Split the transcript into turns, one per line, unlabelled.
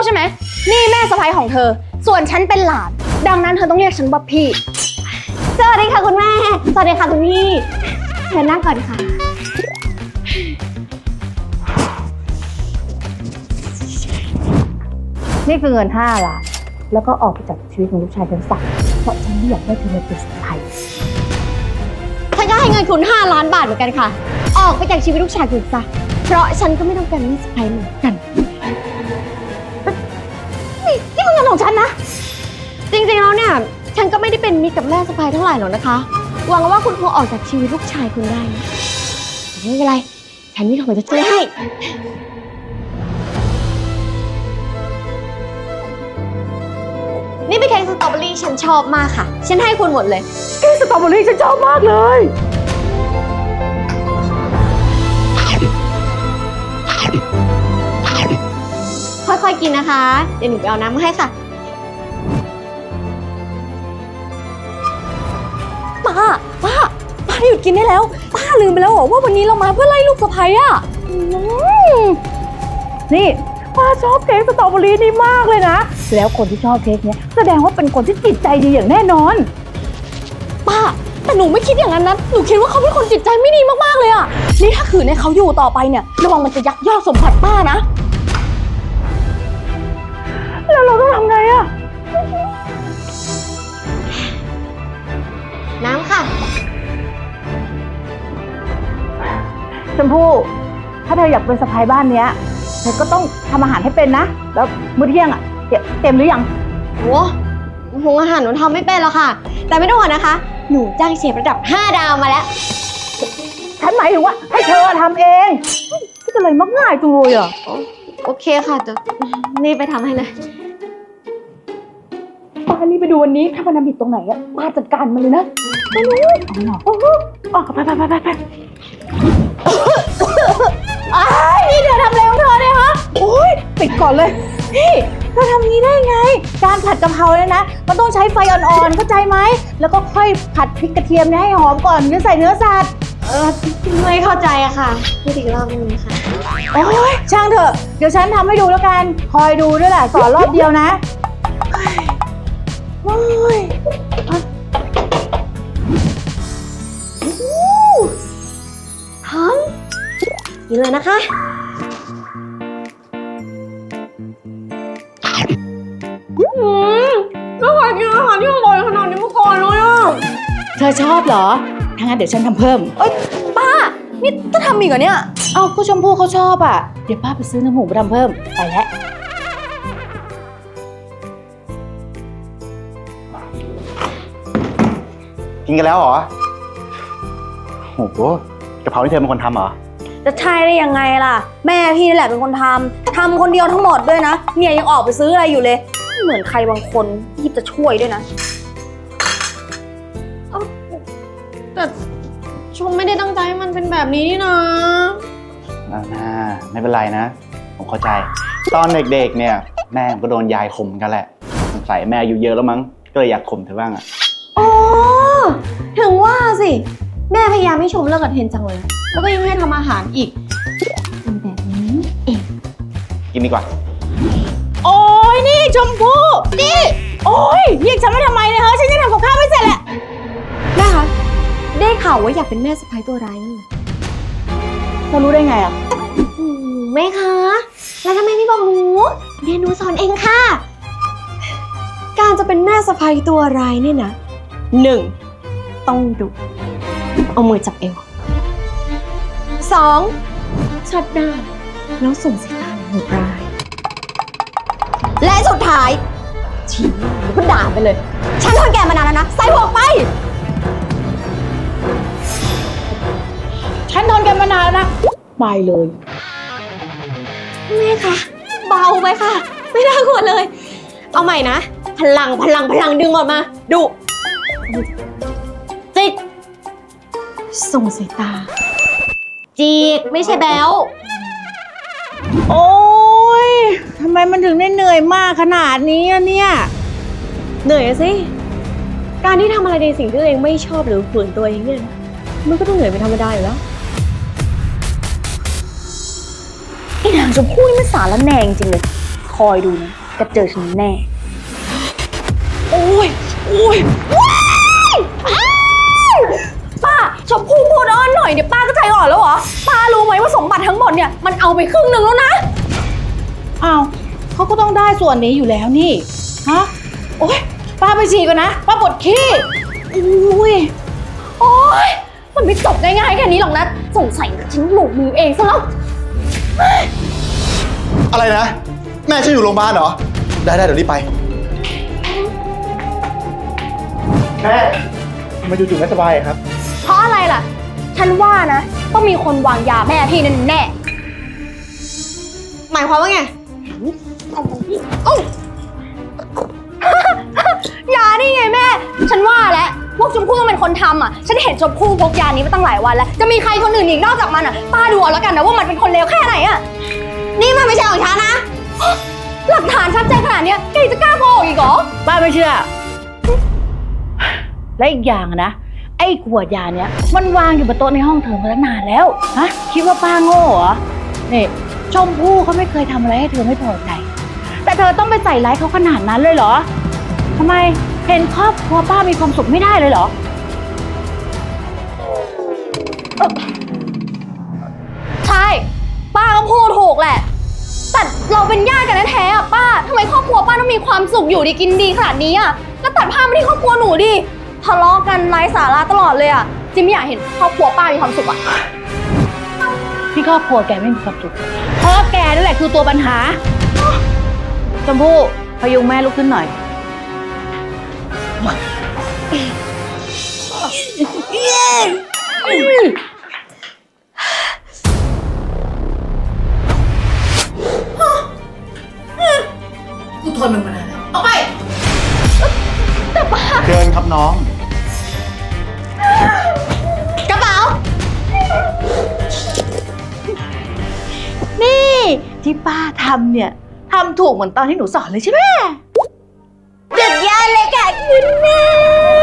ใช่ไหมนี่แม่สะใภ้ของเธอส่วนฉันเป็นหลานดังนั้นเธอต้องเรียกฉันว่าพี่สวัสดีค่ะคุณแม่สวัสดีค่ะคุณพี่เชิญนั่งก่อนค่ะนี่คือเงิน5 ล้านแล้วก็ออกไปจากชีวิตของลูกชายฉันสักเพราะฉันไม่อยากได้เธอมาเป็นสะใภ้ฉันก็ให้เงินคุณ5 ล้านบาทเหมือนกันค่ะออกไปจากชีวิตลูกชายคุณซะเพราะฉันก็ไม่ต้องการแม่สะใภ้เหมือนกันนี่มันเงินของฉันนะจริงๆแล้วเนี่ยฉันก็ไม่ได้เป็นมิตรกับแม่สะใภ้เท่าไหร่หรอกนะคะหวังว่าคุณคงออกจากชีวิตลูกชายคุณได้นะไม่เป็นไรฉันมีของจะช่วยให้นี่เป็นเค้กสตรอเบอรี่ฉันชอบมากค่ะฉันให้คุณหมดเลยเค้กสตรอเบอรี่ฉันชอบมากเลยค่อยๆกินนะคะเดี๋ยวหนูไปเอาน้ำมาให้ค่ะป้าหยุดกินได้แล้วป้าลืมไปแล้วเหรอว่าวันนี้เรามาเพื่อไล่ลูกสะใภ้อ่ะนี่ป้าชอบเค้กสตรอเบอรี่นี่มากเลยนะแล้วคนที่ชอบเค้กเนี้ยแสดงว่าเป็นคนที่จิตใจดีอย่างแน่นอนป้าแต่หนูไม่คิดอย่างนั้นนะหนูคิดว่าเขาเป็นคนจิตใจไม่ดีมากๆเลยอ่ะนี่ถ้าขืนให้เขาอยู่ต่อไปเนี่ยระวังมันจะยักยอกสมบัติป้านะแล้วเราต้องทำไงอ่ะน้ำค่ะชมพู่ถ้าเธออยากเป็นสะใภ้บ้านเนี้ยเธอก็ต้องทำอาหารให้เป็นนะแล้วมื้อเที่ยงอ่ะเต็มหรือยังโอ้โหอาหารหนูทำไม่เป็นหรอกค่ะแต่ไม่ต้องห่วงนะคะหนูจ้างเชฟระดับ5 ดาวมาแล้วฉันหมายถึงว่าให้เธอทำเองก็จะเลยมักง่ายจังเลยอ่ะโอเคค่ะเดี๋ยวนี่ไปทำให้เลยป้านี่ไปดูวันนี้ถ้ามันทำผิดตรงไหนอ่ะป้าจัดการมันเลยนะไม่รู้โอ้โหไปนี่เธอทำอะไรของเธอเนี่ยฮะโอ้ยปิดก่อนเลยนี่เธอทำงี้ได้ไงการผัดกะเพราเนี่ยนะมันต้องใช้ไฟอ่อนๆเข้าใจไหมแล้วก็ค่อยผัดพริกกระเทียมให้หอมก่อนจะใส่เนื้อสัตว์ไม่เข้าใจอะค่ะพูดอีกรอบนึงค่ะโอ้ยช่างเถอะเดี๋ยวฉันทำให้ดูแล้วกันคอยดูด้วยแหละสอนรอบเดียวนะโอ้ยหอมกินเลยนะคะไม่เคยกินอาหารที่อร่อยขนาดนี้มาก่อนเลยอ่ะเธอชอบเหรอถ้างั้นเดี๋ยวฉันทำเพิ่มป้านี่ต้องทำอีกเหรอเนี่ยเอาก็ชมพู่เขาชอบอ่ะเดี๋ยวป้าไปซื้อน้ำหมูมาทำเพิ่มไปแล้ว
กินกันแล้วเหรอโอ้โหกะเพราที่เธอเป็นคนทำเหรอ
จะใช่ได้ยังไงล่ะแม่พี่นี่แหละเป็นคนทำคนเดียวทั้งหมดด้วยนะเนี่ยยังออกไปซื้ออะไรอยู่เลยเหมือนใครบางคนที่จะช่วยด้วยนะ
แต่ชมไม่ได้ตั้งใจให้มันเป็นแบบนี้นี่นะ
ไม่เป็นไรนะผมเข้าใจตอนเด็กๆเนี่ยแม่ผมก็โดนยายข่มกันแหละสงสัยแม่อายุเยอะแล้วมั้งก็เลยอยากข่มเธอบ้างอ่ะ
อ๋อถึงว่าสิแม่พยายามให้ชมเลิกกับเทนจังเลยแล้วก็ยังให้ทำอาหารอีกเป็นแบบนี้เอง
กินดีกว่า
โอ้ยนี่ชมพู่นี่โอ้ยเรียกฉันมาทำไมเนี่ยเฮ้ยฉันยังทำกับข้าวไม่เสร็จแหละแม่คะได้ข่าวว่าอยากเป็นแม่สะใภ้ตัวร้ายนั่นเรารู้ได้ไงอ่ะแม่คะแล้วทำไมไม่บอกหนูเดี๋ยวหนูสอนเองค่ะการจะเป็นแม่สะใภ้ตัวร้ายเนี่ยนะ1ต้องดุเอามือจับเอว2ชัดหน้าแล้วส่งสายตาโหดร้ายและสุดท้ายชี้แล้วก็ด่าไปเลยฉันทนแกมานานแล้วนะใส่หัวไปฉันทนแกมานานแล้วนะไปเลยแม่คะเบาไปค่ะไม่น่ากลัวเลยเอาใหม่นะพลังดึงออกมาดุจิกส่งสายตาจีกไม่ใช่แบ๊วโอ๊ยทำไมมันถึงได้เหนื่อยมากขนาดนี้อะเนี่ยเหนื่อยสิการที่ทำอะไรในสิ่งที่ตัวเองไม่ชอบหรือฝืนตัวเองเนี่ยมันก็ต้องเหนื่อยเป็นธรรมดาอยู่แล้วไอ้นางชมพู่นี่มันสารแหน่งจริงเลย
คอยดูนะจะเจอฉันแน่
โอ้ยว้ายอ้าย
ป้าชมพู่พูดอ้อนหน่อยเดี๋ยวป้าก็ใจอ่อนแล้วเหรอ ป้ารู้ไหมว่าสมบัติทั้งหมดเนี่ยมันเอาไปครึ่งหนึ่งแล้วนะ
อ้าวเขาก็ต้องได้ส่วนนี้อยู่แล้วนี่ ฮะ โอ๊ย ป้าไปฉี่ก่อนนะ ป้าปวดขี้อุ้ย
โอ๊ย มันไม่จบง่ายๆแค่นี้หรอกนะ สงสัยฉันหลงมือเองซะแล้ว
อะไรนะ แม่ฉันอยู่โรงพยาบาลเหรอ ได้เดี๋ยวรีบไป แม่ทำไมจู่ๆไม่สบายอะครับ
เพราะอะไรล่ะ ฉันว่านะต้องมีคนวางยาแม่พี่แน่
หมายความว่าไง
ยานี่ไงแม่ ฉันว่าแล้วพวกชมพู่ต้องเป็นคนทำอ่ะ ฉันเห็นชมพู่พกยานี้มาตั้งหลายวันแล้ว จะมีใครคนอื่นอีกนอกจากมันอ่ะ ป้าดูเอาแล้วกันนะว่ามันเป็นคนเลวแค่ไหนอ่ะ
นี่มันไม่ใช่ของฉันนะ
หลักฐานชัดเจนขนาดเนี้ยแกจะกล้าโกหกอีกเหรอ
ป้าไม่เชื่อ และอีกอย่างนะ ไอ้ขวดยาเนี้ยมันวางอยู่บนโต๊ะในห้องเธอมาตั้งนานแล้ว ฮะ คิดว่าป้าโง่เหรอนี่ชมพู่เขาไม่เคยทำอะไรให้เธอไม่พอใจ แต่เธอต้องไปใส่ร้ายเขาขนาดนั้นเลยเหรอทำไมเห็นครอบครัวป้ามีความสุขไม่ได้เลยเหรอ
ใช่ ป้าก็พูดถูกแหละ แต่เราเป็นญาติกันแท้ๆอ่ะป้าทำไมครอบครัวป้าต้องมีความสุขอยู่ดีกินดีขนาดนี้อ่ะแล้วตัดภาพมาที่ครอบครัวหนูดิทะเลาะกันไร้สาระตลอดเลยอ่ะจิมไม่อยากเห็นครอบครัวป้ามีความสุขอ่ะ
ที่ครอบครัวแกไม่มีความสุขเพราะแกนั่นแหละคือตัวปัญหาชมพู่พยุงแม่ลุกขึ้นหน่อย กูทนมึงมานานแล้วออกไป
เดินครับน้อง
กระเป๋า นี่ที่ป้าทำเนี่ยทำถูกเหมือนตอนที่หนูสอนเลยใช่ไหมเด็ดยาเลยค่ะคุณแม่